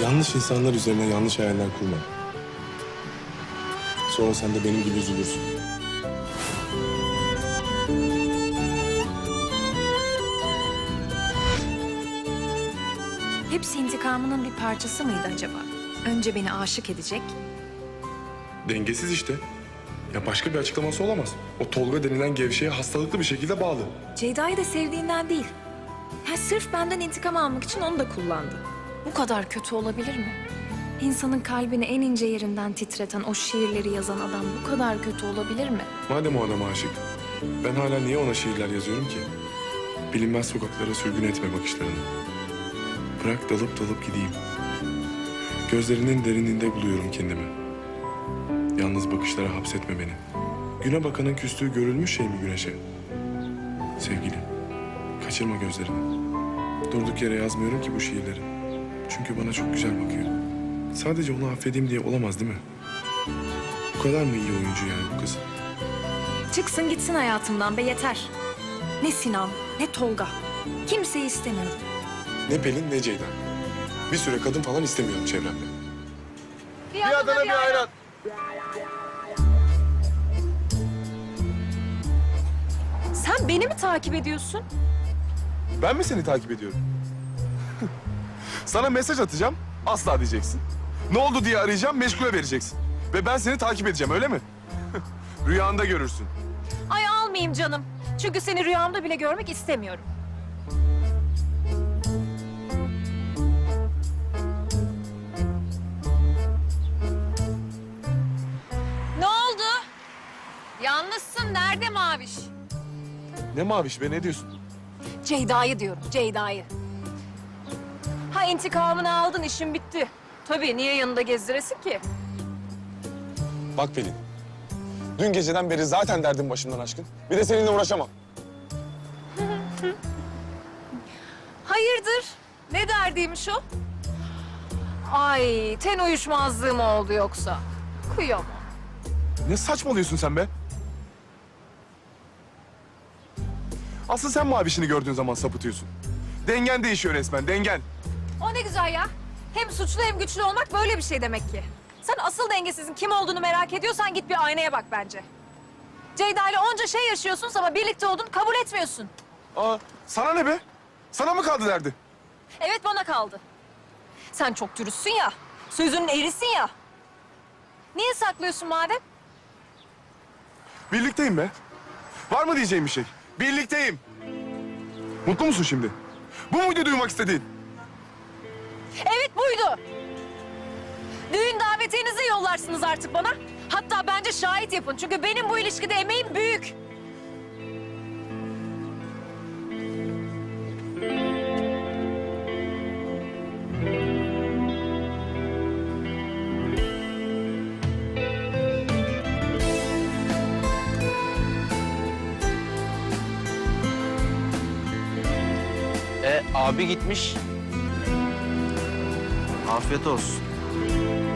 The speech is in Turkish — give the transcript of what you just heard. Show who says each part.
Speaker 1: Yanlış insanlar üzerine yanlış hayaller kurma. Sonra sen de benim gibi üzülürsün.
Speaker 2: Hepsi intikamının bir parçası mıydı acaba? Önce beni aşık edecek.
Speaker 1: Dengesiz işte. Ya başka bir açıklaması olamaz. O Tolga denilen gevşeye hastalıklı bir şekilde bağlı.
Speaker 2: Ceyda'yı da sevdiğinden değil. Ya sırf benden intikam almak için onu da kullandı. Bu kadar kötü olabilir mi? İnsanın kalbini en ince yerinden titreten o şiirleri yazan adam bu kadar kötü olabilir mi?
Speaker 1: Madem o adama aşık, ben hala niye ona şiirler yazıyorum ki? Bilinmez sokaklara sürgün etme bakışlarını. Bırak dalıp dalıp gideyim. Gözlerinin derinliğinde buluyorum kendimi. Yalnız bakışlara hapsetme beni. Güne bakanın küstüğü görülmüş şey mi güneşe? Sevgilim, kaçırma gözlerini. Durduk yere yazmıyorum ki bu şiirleri. Çünkü bana çok güzel bakıyor. Sadece onu affedeyim diye olamaz değil mi? Bu kadar mı iyi oyuncu yani bu kız?
Speaker 2: Çıksın gitsin hayatımdan be yeter. Ne Sinan, ne Tolga. Kimseyi istemiyorum.
Speaker 1: Ne Pelin ne Ceyda. Bir süre kadın falan istemiyorum çevremde.
Speaker 3: Bir Adana bir ayran.
Speaker 2: Sen beni mi takip ediyorsun?
Speaker 3: Ben mi seni takip ediyorum? Sana mesaj atacağım, asla diyeceksin. Ne oldu diye arayacağım, meşgule vereceksin. Ve ben seni takip edeceğim, öyle mi? Rüyanda görürsün.
Speaker 2: Ay almayayım canım. Çünkü seni rüyamda bile görmek istemiyorum. Ne oldu? Yalnızsın. Nerede Maviş?
Speaker 3: Ne maviş be, ne diyorsun?
Speaker 2: Ceyda'yı diyorum, Ceyda'yı. Ha intikamını aldın, işin bitti. Tabii, niye yanında gezdiresin ki?
Speaker 3: Bak Pelin, dün geceden beri zaten derdim başımdan aşkın. Bir de seninle uğraşamam.
Speaker 2: Hayırdır? Ne derdiymiş o? Ay, ten uyuşmazlığı mı oldu yoksa? Kıyamam.
Speaker 3: Ne saçmalıyorsun sen be? Asıl sen mavişini gördüğün zaman sapıtıyorsun. Dengen değişiyor resmen, dengen.
Speaker 2: O ne güzel ya. Hem suçlu hem güçlü olmak böyle bir şey demek ki. Sen asıl dengesizin kim olduğunu merak ediyorsan git bir aynaya bak bence. Ceyda ile onca şey yaşıyorsun ama birlikte olduğunu kabul etmiyorsun.
Speaker 3: Aa, sana ne be? Sana mı kaldı derdi?
Speaker 2: Evet bana kaldı. Sen çok dürüstsün ya. Sözünün erisin ya. Niye saklıyorsun madem?
Speaker 3: Birlikteyim be. Var mı diyeceğim bir şey? Birlikteyim. Mutlu musun şimdi? Bu muydu duymak istediğin?
Speaker 2: Evet buydu. Düğün davetiyenizi yollarsınız artık bana. Hatta bence şahit yapın. Çünkü benim bu ilişkide emeğim büyük.
Speaker 4: Abi gitmiş. Afiyet olsun.